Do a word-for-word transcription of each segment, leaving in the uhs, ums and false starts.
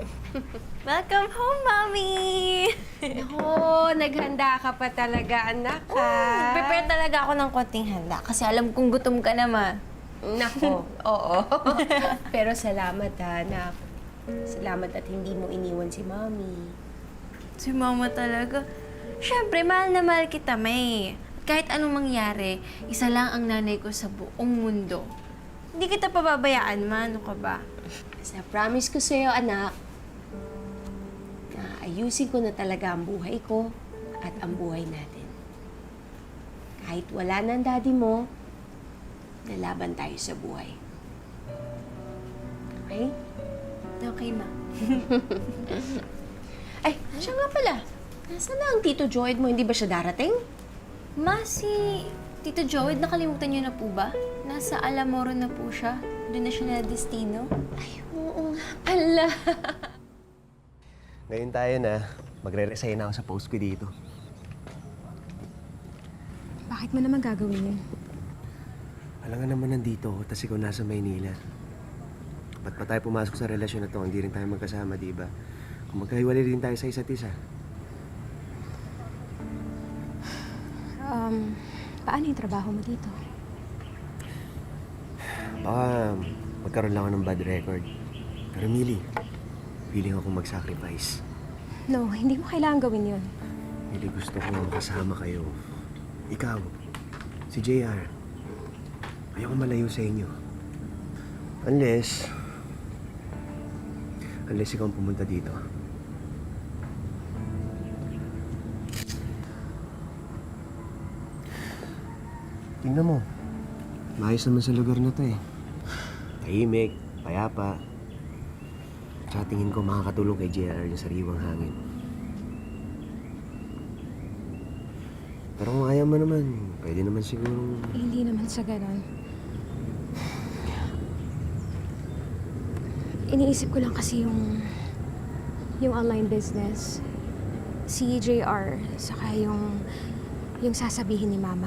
Welcome home, Mommy! Nako, naghanda ka pa talaga, anak, ha? Oh, prepare talaga ako ng konting handa kasi alam kong gutom ka naman. Nako, oo. Pero salamat, ha, anak. Salamat at hindi mo iniwan si Mommy. Si Mama talaga. Siyempre, mahal na mahal kita, May. Kahit anong mangyari, isa lang ang nanay ko sa buong mundo. Hindi kita pababayaan, ma. Ano ka ba? Sa promise ko sa'yo, anak, na ayusin ko na talaga ang buhay ko at ang buhay natin. Kahit wala na ang daddy mo, lalaban tayo sa buhay. Okay? Okay, ma. Ay, siya nga pala. Nasaan na ang Tito Joyd mo? Hindi ba siya darating? Ma, si Tito Joey, nakalimutan niyo na po ba? Nasa Alamoro na po siya. Doon na siya na destino. Ay, oo nga pala. Ngayon tayo na. Magre-resign ako sa post ko dito. Bakit mo naman gagawin yun? Alam nga naman nandito ako, tas ikaw nasa Maynila. Ba't pa tayo pumasok sa relasyon na to? Hindi rin tayo magkasama, di ba? Kung magkahiwalay rin tayo sa isa't isa. Um, paano yung trabaho mo dito? Baka magkaroon lang ako ng bad record. Pero Millie, willing akong mag-sacrifice. No, hindi mo kailangan gawin yun. Millie, gusto ko kasama kayo. Ikaw, si J R. Ayoko malayo sa inyo. Unless... Unless ikaw ang pumunta dito. Tingnan mo. Maayos naman sa lugar na to eh. Tahimik, payapa. Tsaka tingin ko makakatulong kay J R yung sariwang hangin. Pero kung ayaw mo naman, pwede naman siguro... Eh, hindi naman sa ganon. Iniisip ko lang kasi yung... yung online business. Si J R, saka yung... yung sasabihin ni Mama.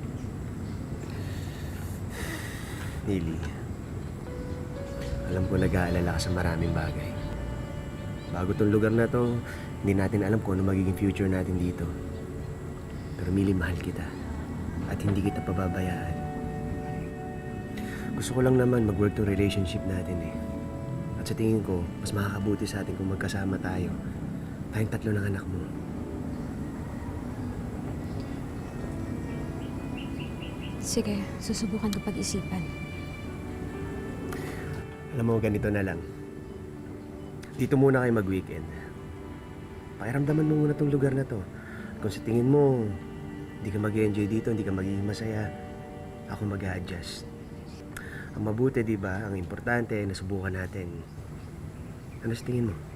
Nili, alam ko nag-aalala ka sa maraming bagay. Bago tong lugar na to, hindi natin alam kung ano magiging future natin dito. Pero Mili, mahal kita. At hindi kita pababayaan. Gusto ko lang naman mag-work tong relationship natin eh. At sa tingin ko, mas makakabuti sa atin kung magkasama tayo. Tayong tatlo ng anak mo. Sige, susubukan ko pag-isipan. Alam mo, ganito na lang. Dito muna kayo mag-weekend. Pakiramdaman mo muna tong lugar na to. Kung sa tingin mo, hindi ka mag-enjoy dito, hindi ka magiging masaya, ako mag-a-adjust. Ang mabuti, di ba? Ang importante, nasubukan natin. Ano sa tingin mo?